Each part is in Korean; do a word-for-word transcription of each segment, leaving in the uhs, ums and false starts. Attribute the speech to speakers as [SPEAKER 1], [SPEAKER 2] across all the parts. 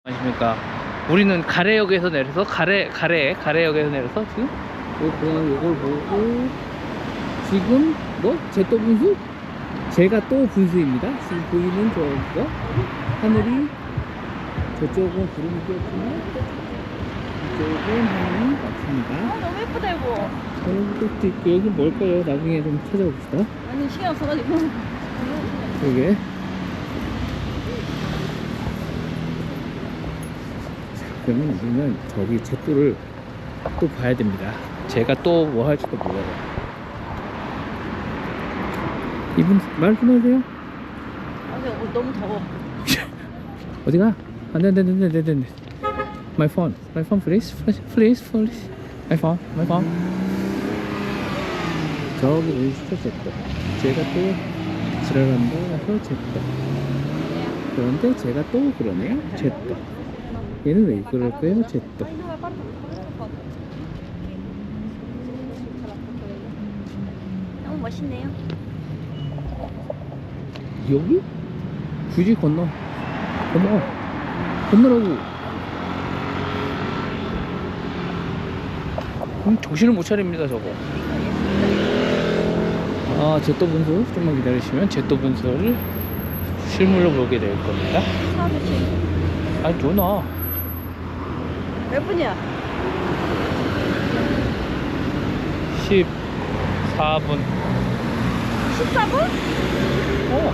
[SPEAKER 1] 안녕하십니까. 우리는 가래역에서 내려서 가래 가래 가래역에서 내려서 지금 요 그냥 요걸 보고 지금 뭐 제또 분수? 제가 또 분수입니다. 지금 보이는 저거 하늘이 저쪽은 구름이 끼었지만 이쪽은 하늘이 없습니다.
[SPEAKER 2] 아, 너무 예쁘다 이거.
[SPEAKER 1] 여기 또 여기 뭘까요? 나중에 좀 찾아봅시다.
[SPEAKER 2] 아니 시간 없어가지고.
[SPEAKER 1] 여기 그러면 우리는 저기 제또를 또 봐야 됩니다. 제가 또 뭐 할지도 몰라요. 이분 말 좀 하세요.
[SPEAKER 2] 아 근데 오늘 너무 더워.
[SPEAKER 1] 어디가? 안돼 안돼 안돼 안돼 안돼. My phone, my phone, please, please, please, please. My phone, my phone. 저기 보이시죠 제또. 제가 또 지랄한다 해서 제또. 그런데 제가 또 그러네요 제또. 얘는 왜 그럴까요 제또?
[SPEAKER 2] 너무 멋있네요.
[SPEAKER 1] 여기? 굳이 건너 건너 건너라고. 음, 정신을 못 차립니다 저거. 아 제또 분수 좀만 기다리시면 제또 분수를 실물로 보게 될 겁니다. 아니 누나
[SPEAKER 2] 몇 분이야?
[SPEAKER 1] 십사 분.
[SPEAKER 2] 십사 분?
[SPEAKER 1] 어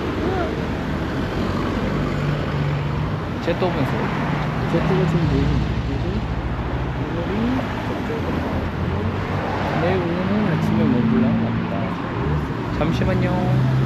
[SPEAKER 1] 제또 분수. 제또가 지금 보이는 내일 오후는 아침에 먹으려고 합니다. 잠시만요.